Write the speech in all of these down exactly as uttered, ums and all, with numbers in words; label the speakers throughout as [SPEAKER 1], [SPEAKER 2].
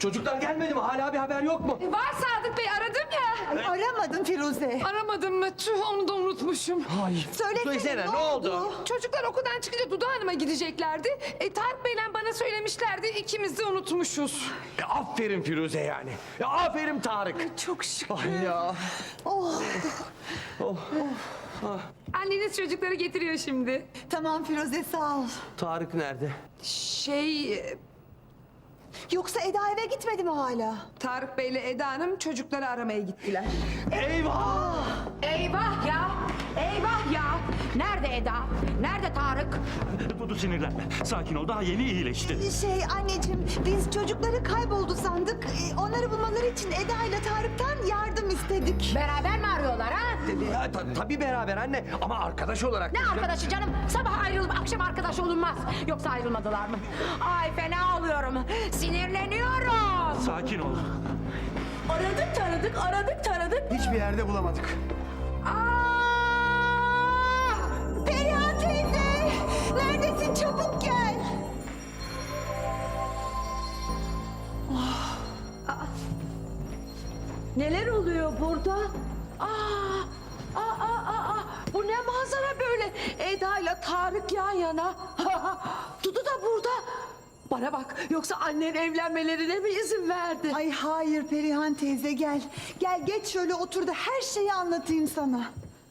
[SPEAKER 1] Çocuklar gelmedi mi? Hala bir haber yok mu?
[SPEAKER 2] E, Var Sadık Bey, aradım ya.
[SPEAKER 3] Ay, aramadın Firuze.
[SPEAKER 2] Aramadım mı? Tüh, onu da unutmuşum.
[SPEAKER 1] Hayır.
[SPEAKER 3] Söylesene,
[SPEAKER 1] Söylesene,
[SPEAKER 3] ne
[SPEAKER 1] ne oldu?
[SPEAKER 3] oldu?
[SPEAKER 2] Çocuklar okuldan çıkınca Dudu Hanım'a gideceklerdi. E, Tarık Bey'le bana söylemişlerdi. İkimiz de unutmuşuz.
[SPEAKER 1] E, aferin Firuze yani. E, aferin Tarık.
[SPEAKER 2] Çok şükür.
[SPEAKER 1] Ay ya.
[SPEAKER 3] Oh,
[SPEAKER 2] Anneniz çocukları getiriyor şimdi.
[SPEAKER 3] tamam Firuze, sağ ol.
[SPEAKER 1] Tarık nerede?
[SPEAKER 2] Şey... e,
[SPEAKER 3] Yoksa Eda eve gitmedi mi hala?
[SPEAKER 2] Tarık Bey'le Eda Hanım çocukları aramaya gittiler.
[SPEAKER 1] Eyvah!
[SPEAKER 4] Eyvah ya! Eyvah ya! Nerede Eda? Nerede Tarık?
[SPEAKER 5] Dudu sinirlenme. Sakin ol. Daha yeni iyileşti.
[SPEAKER 3] Şey anneciğim, biz çocukları kayboldu sandık. Ee, Onları bulmaları için Eda ile Tarık'tan yardım istedik.
[SPEAKER 4] Beraber mi arıyorlar ha?
[SPEAKER 1] Ya, ta- tabii beraber anne ama arkadaş olarak.
[SPEAKER 4] Ne arkadaşı canım? Sabah ayrılıp akşam arkadaş olunmaz. Yoksa ayrılmadılar mı? Ay fena oluyorum. Sinirleniyorum.
[SPEAKER 5] Sakin ol.
[SPEAKER 4] Aradık taradık, aradık taradık.
[SPEAKER 1] Hiçbir yerde bulamadık.
[SPEAKER 4] Aa!
[SPEAKER 3] Perihan teyze! Neredesin? Çabuk gel.
[SPEAKER 4] Neler oluyor burada? Aa, aa, aa, aa, bu ne manzara böyle? Eda ile Tarık yan yana. Dudu da burada. Bana bak, yoksa annen evlenmelerine mi izin verdi?
[SPEAKER 3] Ay hayır Perihan teyze, gel. Gel geç şöyle otur da her şeyi anlatayım sana.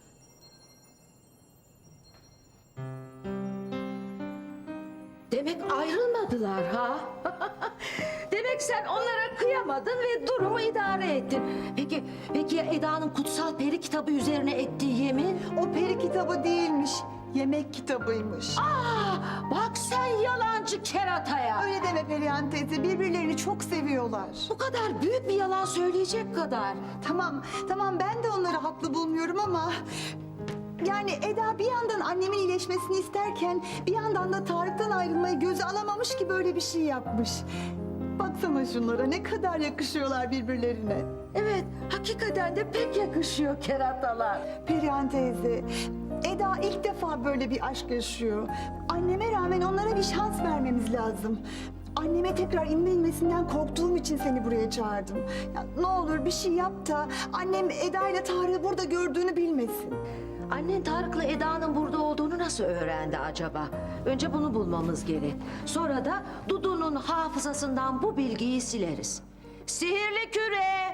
[SPEAKER 4] Demek ayrılmadılar ha? Demek sen onlara kıyamadın ve durumu idare ettin. Peki, peki ya Eda'nın kutsal peri kitabı üzerine ettiği yemin?
[SPEAKER 3] O peri kitabı değilmiş, yemek kitabıymış.
[SPEAKER 4] Aa, bak sen yalancı kerataya.
[SPEAKER 3] Öyle deme Perihan teyze, birbirlerini çok seviyorlar.
[SPEAKER 4] Bu kadar büyük bir yalan söyleyecek kadar.
[SPEAKER 3] Tamam, tamam ben de onları haklı bulmuyorum ama... Yani Eda bir yandan annemin iyileşmesini isterken... ...bir yandan da Tarık'tan ayrılmayı göze alamamış ki böyle bir şey yapmış. Baksana şunlara, ne kadar yakışıyorlar birbirlerine.
[SPEAKER 4] Evet, hakikaten de pek yakışıyor keratalar.
[SPEAKER 3] Perihan teyze, Eda ilk defa böyle bir aşk yaşıyor. Anneme rağmen onlara bir şans vermemiz lazım. Anneme tekrar inme inmesinden korktuğum için seni buraya çağırdım. Ya, ne olur bir şey yap da annem Eda ile Tarık'ı burada gördüğünü bilmesin.
[SPEAKER 4] Annen Tarık'la Eda'nın burada olduğunu nasıl öğrendi acaba? Önce bunu bulmamız gerek. Sonra da Dudu'nun hafızasından bu bilgiyi sileriz. Sihirli küre!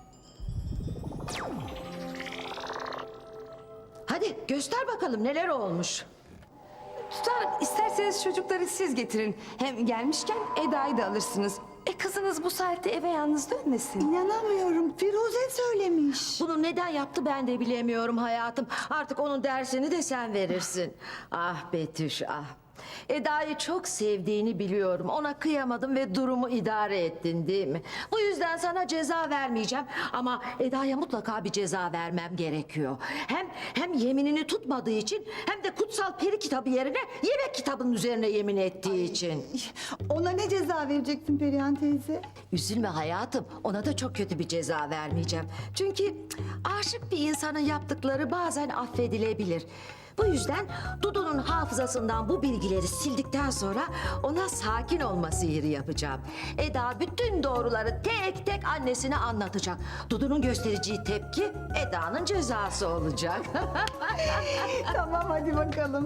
[SPEAKER 4] Hadi göster bakalım neler olmuş.
[SPEAKER 2] Tutarım, isterseniz çocukları siz getirin. Hem gelmişken Eda'yı da alırsınız. E kızınız bu saatte eve yalnız dönmesin.
[SPEAKER 3] İnanamıyorum, Firuze söylemiş.
[SPEAKER 4] Bunu neden yaptı ben de bilemiyorum hayatım. Artık onun dersini de sen verirsin. Ah Betüş ah. Eda'yı çok sevdiğini biliyorum. Ona kıyamadım ve durumu idare ettin değil mi? Bu yüzden sana ceza vermeyeceğim. Ama Eda'ya mutlaka bir ceza vermem gerekiyor. Hem hem yeminini tutmadığı için hem de kutsal peri kitabı yerine yemek kitabının üzerine yemin ettiği için.
[SPEAKER 3] Ona ne ceza vereceksin Perihan teyze?
[SPEAKER 4] Üzülme hayatım. Ona da çok kötü bir ceza vermeyeceğim. Çünkü cık, aşık bir insanın yaptıkları bazen affedilebilir. Bu yüzden Dudu'nun hafızasından bu bilgileri sildikten sonra ona sakin olma sihiri yapacağım. Eda bütün doğruları tek tek annesine anlatacak. Dudu'nun göstereceği tepki Eda'nın cezası olacak.
[SPEAKER 3] Tamam hadi bakalım.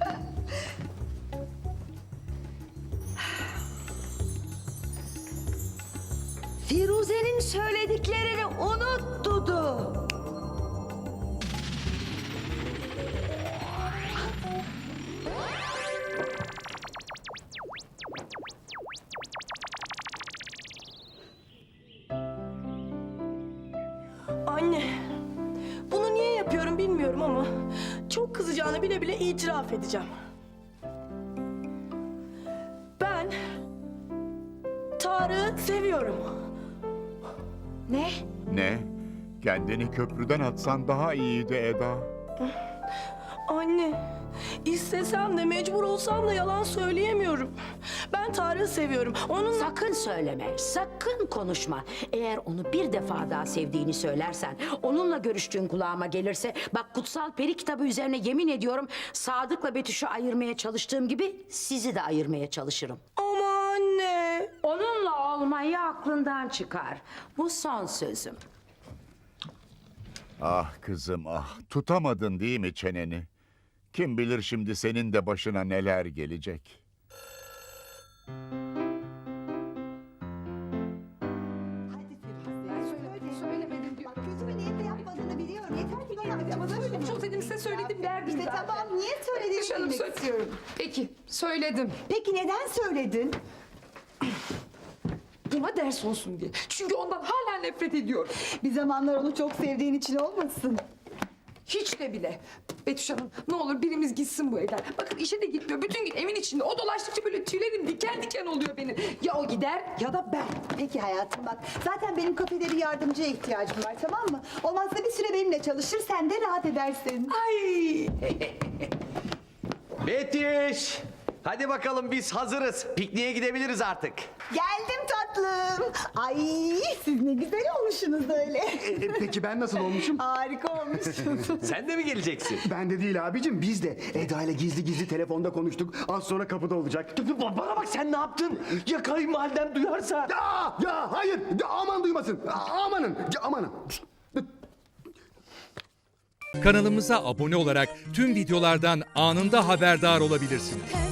[SPEAKER 4] Firuze'nin söylediklerini unut Dudu.
[SPEAKER 6] Anne, bunu niye yapıyorum bilmiyorum ama çok kızacağını bile bile itiraf edeceğim. Ben Tarık'ı seviyorum.
[SPEAKER 4] Ne?
[SPEAKER 7] Ne? Kendini köprüden atsan daha iyiydi Eda.
[SPEAKER 6] Anne, istesem de mecbur olsam da yalan söyleyemiyorum. Ben Tarık'ı seviyorum. Onun
[SPEAKER 8] Sakın söyleme, sakın konuşma. Eğer onu bir defa daha sevdiğini söylersen, onunla görüştüğün kulağıma gelirse... ...bak kutsal peri kitabı üzerine yemin ediyorum... ...Sadık'la Betüş'ü ayırmaya çalıştığım gibi sizi de ayırmaya çalışırım.
[SPEAKER 6] ama anne,
[SPEAKER 8] Onunla olmayı aklından çıkar. Bu son sözüm.
[SPEAKER 7] Ah kızım ah, tutamadın değil mi çeneni? Kim bilir şimdi senin de başına neler gelecek.
[SPEAKER 3] Hadi Firuze. Söyle.
[SPEAKER 2] Söylemedim diyor.
[SPEAKER 3] Bak kötü bir niyetle yapmadığını biliyorum. Yeter ki bana
[SPEAKER 2] Ama
[SPEAKER 3] söyle.
[SPEAKER 2] çok dedim size söyledim derdim
[SPEAKER 3] İşte
[SPEAKER 2] zaten.
[SPEAKER 3] tamam niye söylediğini
[SPEAKER 2] Betüş Hanım
[SPEAKER 3] bilmek
[SPEAKER 2] söyle-
[SPEAKER 3] istiyorum.
[SPEAKER 2] Peki söyledim.
[SPEAKER 3] Peki neden söyledin?
[SPEAKER 2] Buna ders olsun diye. Çünkü ondan hala nefret ediyorum.
[SPEAKER 3] Bir zamanlar onu çok sevdiğin için olmasın.
[SPEAKER 2] Hiç de bile. Betüş Hanım ne olur birimiz gitsin bu evden. Bakın işe de gitmiyor. Bütün gün evin içinde. O dolaştıkça böyle tüylerim diken diken oluyor benim. Ya o gider ya da ben.
[SPEAKER 3] Peki hayatım bak. Zaten benim kafede bir yardımcıya ihtiyacım var tamam mı? Olmazsa bir süre benimle çalışır sen de rahat edersin.
[SPEAKER 2] Ay.
[SPEAKER 1] Betüş. Hadi bakalım biz hazırız. Pikniğe gidebiliriz artık.
[SPEAKER 3] Geldim tatlım. Ay siz ne güzel olmuşsunuz öyle.
[SPEAKER 9] E, peki ben nasıl olmuşum?
[SPEAKER 3] Harika olmuşsunuz.
[SPEAKER 1] Sen de mi geleceksin?
[SPEAKER 9] Ben de değil abicim, biz de. Eda ile gizli gizli telefonda konuştuk. Az sonra kapıda olacak.
[SPEAKER 1] Bana bak sen ne yaptın? Ya kayınvaliden duyarsa?
[SPEAKER 9] Ya, ya hayır, ya, aman duymasın. A- Amanın, ya, amanın.
[SPEAKER 10] Kanalımıza abone olarak tüm videolardan anında haberdar olabilirsiniz.